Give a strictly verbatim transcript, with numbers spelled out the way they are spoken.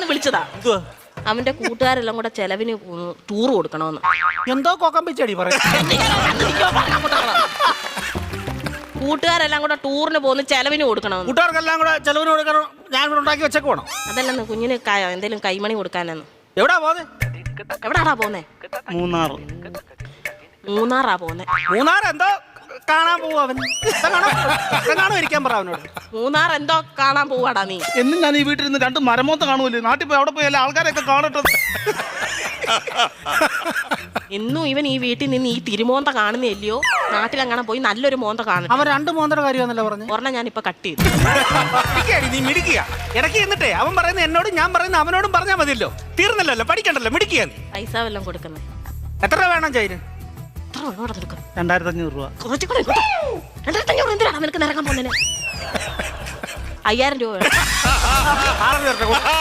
വിളിച്ചതാ. അവന്റെ കൂട്ടുകാരെല്ലാം കൂടെ ചെലവിന് ടൂർ കൊടുക്കണമെന്ന്. എന്തോ കൊക്കം പിച്ചടി പറയാം. കൂട്ടുകാരെല്ലാം കൂടെ ടൂറിന് പോകുന്ന ചെലവിന് കൊടുക്കണം. കൂട്ടുകാർക്കെല്ലാം കൂടെ ചെലവിന് കൊടുക്കണം. ഞാൻ ഇവിടെ ഉണ്ടാക്കി വെച്ചേക്ക് വേണം. അതല്ലെന്ന് കുഞ്ഞിന് എന്തെങ്കിലും കൈമണി കൊടുക്കാനെന്ന്. എവിടാ പോന്നെ? എവിടാടാ പോന്നെ? മൂന്നാർ. മൂന്നാറാ പോന്നെ. മൂന്നാർ എന്തോ കാണാൻ പോവാ അവൻ. കാണോ ഇരിക്കാൻ പറ അവനോട്. മൂന്നാർ എന്തോ കാണാൻ പോവാടാ നീ. എന്നും ഞാൻ ഈ വീട്ടിൽ നിന്ന് രണ്ട് മരമോത്ത കാണുമല്ലേ, നാട്ടിൽ പോയി അവിടെ പോയി എല്ലാ ആൾക്കാരെയൊക്കെ കാണട്ടെ. എന്നും ഇവൻ ഈ വീട്ടിൽ നിന്ന് ഈ തിരുമോന്ത കാണുന്നില്ലയോ, നാട്ടിലങ്ങനെ പോയി നല്ലൊരു മോന്ത കാണും. അവൻ രണ്ട് മോന്തയുടെ കാര്യമാണല്ലോ പറഞ്ഞു. ഒരെണ്ണം ഞാൻ ഇപ്പൊ കട്ട് ചെയ്തു. നീ മിടിക്കുക ഇടയ്ക്ക് എന്നിട്ടേ അവൻ പറയുന്ന എന്നോടും ഞാൻ പറയുന്ന അവനോടും പറഞ്ഞാൽ മതിയല്ലോ. തീർന്നല്ലോ, പഠിക്കണ്ടല്ലോ, മിടിക്കുക. പൈസ വല്ലതും കൊടുക്കുന്നത് എത്ര രൂപ വേണം ചൈന്? രണ്ടായിരത്തി അഞ്ഞൂറ് രൂപ. രണ്ടായിരത്തി അഞ്ഞൂറ് എന്തിനാണ് നിനക്ക് നിറങ്ങാൻ പോകുന്നതിന്? അയ്യായിരം രൂപ വേണം.